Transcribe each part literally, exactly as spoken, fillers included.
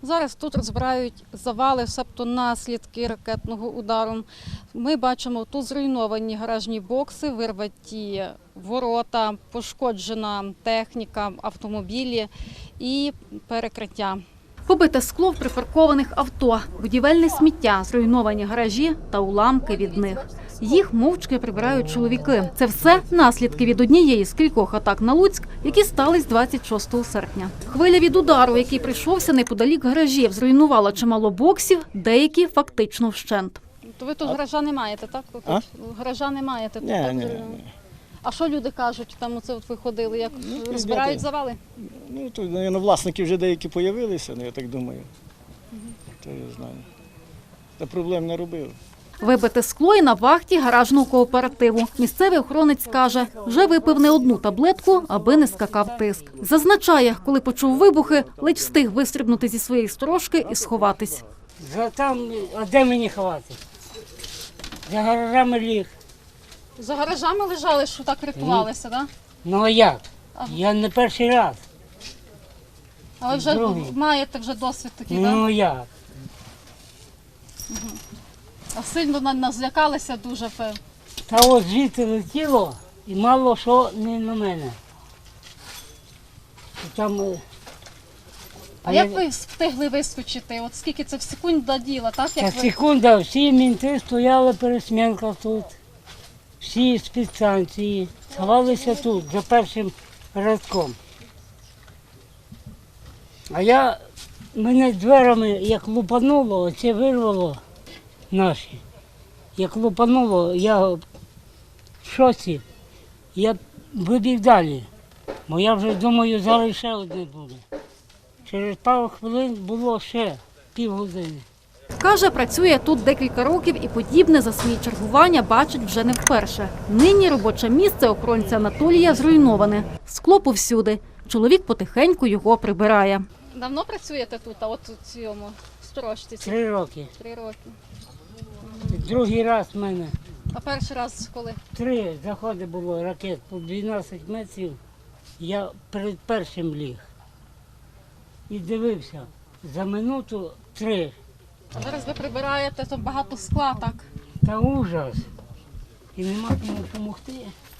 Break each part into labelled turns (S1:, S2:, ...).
S1: Зараз тут розбирають завали, себто наслідки ракетного удару. Ми бачимо тут зруйновані гаражні бокси, вирваті ворота, пошкоджена техніка, автомобілі і перекриття. Побите скло в припаркованих авто, будівельне сміття, зруйновані гаражі та уламки від них. Їх мовчки прибирають чоловіки. Це все наслідки від однієї з кількох атак на Луцьк, які стались двадцять шостого серпня. Хвиля від удару, який прийшовся неподалік гаражів, зруйнувала чимало боксів, деякі фактично вщент. То ви тут а... гаража не маєте, так? Ви
S2: а?
S1: Гаража не маєте? Тут,
S2: ні,
S1: так?
S2: ні, ні.
S1: А що люди кажуть, там оце от ви ходили, як ну, розбирають ребята, завали?
S2: Ну, тут, наверное, власники вже деякі з'явилися, ну, я так думаю. Угу. То я знаю. Та проблем не робили.
S1: Вибите скло і на вахті гаражного кооперативу. Місцевий охоронець каже, вже випив не одну таблетку, аби не скакав тиск. Зазначає, коли почув вибухи, ледь встиг вистрибнути зі своєї сторожки і сховатись.
S3: За там, а де мені ховати? За гаражами ліг.
S1: За гаражами лежали, що так рятувалися, так? Да?
S3: Ну а як? Ага. Я не перший раз.
S1: А ви вже Другий. маєте вже досвід такий, так?
S3: Ну
S1: да?
S3: як?
S1: Угу. А сильно нас злякалися дуже.
S3: Та ось звідти летіло і мало що не на мене. Там,
S1: а я... як ви встигли вискочити? От скільки це в секунду діло, так? Як
S3: Та
S1: ви...
S3: секунда, всі мінти стояли пересмінка тут. Всі спецстанції сховалися тут, за першим рядком. А я, мене дверами як лупануло, оце вирвало наші. Як лупануло, я в шоці, я вибіг далі. Бо я вже думаю, зараз ще одне буде. Через пару хвилин було ще півгодини.
S1: Каже, працює тут декілька років і подібне за свої чергування бачить вже не вперше. Нині робоче місце охоронця Анатолія зруйноване. Скло повсюди. Чоловік потихеньку його прибирає. Давно працюєте тут, а от у цьому сторожці?
S3: Три роки.
S1: Три роки.
S3: Другий раз в мене.
S1: А перший раз коли?
S3: Три заходи було ракет по дванадцять метрів. Я перед першим ліг. І дивився. За минуту три.
S1: А зараз ви прибираєте, то багато скла, так?
S3: Та ужас. І нема кому допомогти.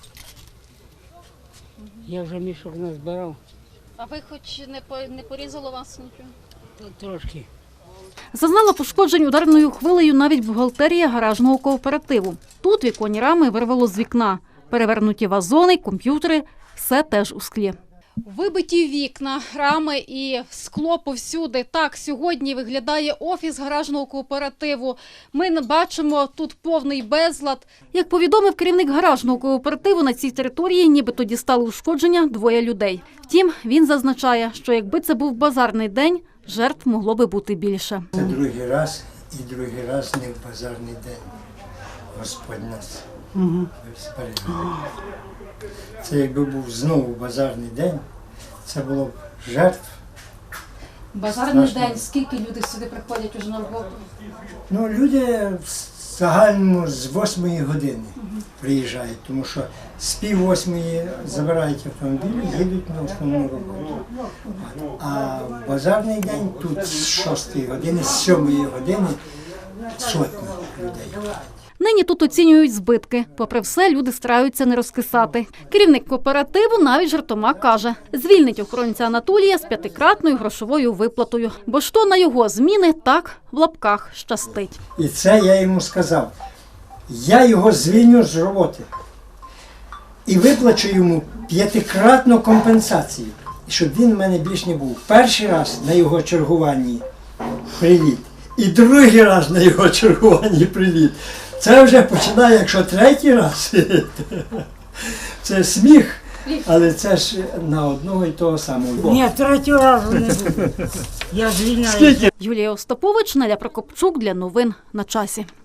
S3: Я вже мішок назбирав.
S1: А ви хоч не, по, не порізало вас нічого?
S3: Трошки.
S1: Зазнала пошкоджень ударною хвилею навіть бухгалтерія гаражного кооперативу. Тут віконні рами вирвало з вікна. Перевернуті вазони, комп'ютери – все теж у склі. Вибиті вікна, рами і скло повсюди. Так сьогодні виглядає офіс гаражного кооперативу. Ми бачимо тут повний безлад. Як повідомив керівник гаражного кооперативу, на цій території нібито дістали ушкодження двоє людей. Втім, він зазначає, що якби це був базарний день, жертв могло би бути більше.
S4: Це другий раз і другий раз не в базарний день. Господь нас
S3: Угу.
S4: зберігає. Це якби був знову базарний день, це було б жертв.
S1: Базарний
S4: страшно.
S1: день, скільки люди сюди приходять уже на роботу?
S4: Ну, люди в загальному з восьмої години угу. приїжджають, тому що з пів восьмої забирають автомобілі і їдуть на основну роботу. А в базарний день тут з шостої години, з сьомої години сотні людей.
S1: Нині тут оцінюють збитки. Попри все, люди стараються не розкисати. Керівник кооперативу навіть жартома каже, звільнить охоронця Анатолія з п'ятикратною грошовою виплатою. Бо що на його зміни так в лапках щастить.
S4: І це я йому сказав. Я його звільню з роботи і виплачу йому п'ятикратну компенсацію, щоб він в мене більш не був. Перший раз на його чергуванні приліт і другий раз на його чергуванні приліт. Це вже починає, якщо третій раз, це сміх, але це ж на одного і того самого.
S3: Ні, третього разу не буде. Я звільняю.
S1: Юлія Остапович, Неля Прокопчук для новин на часі.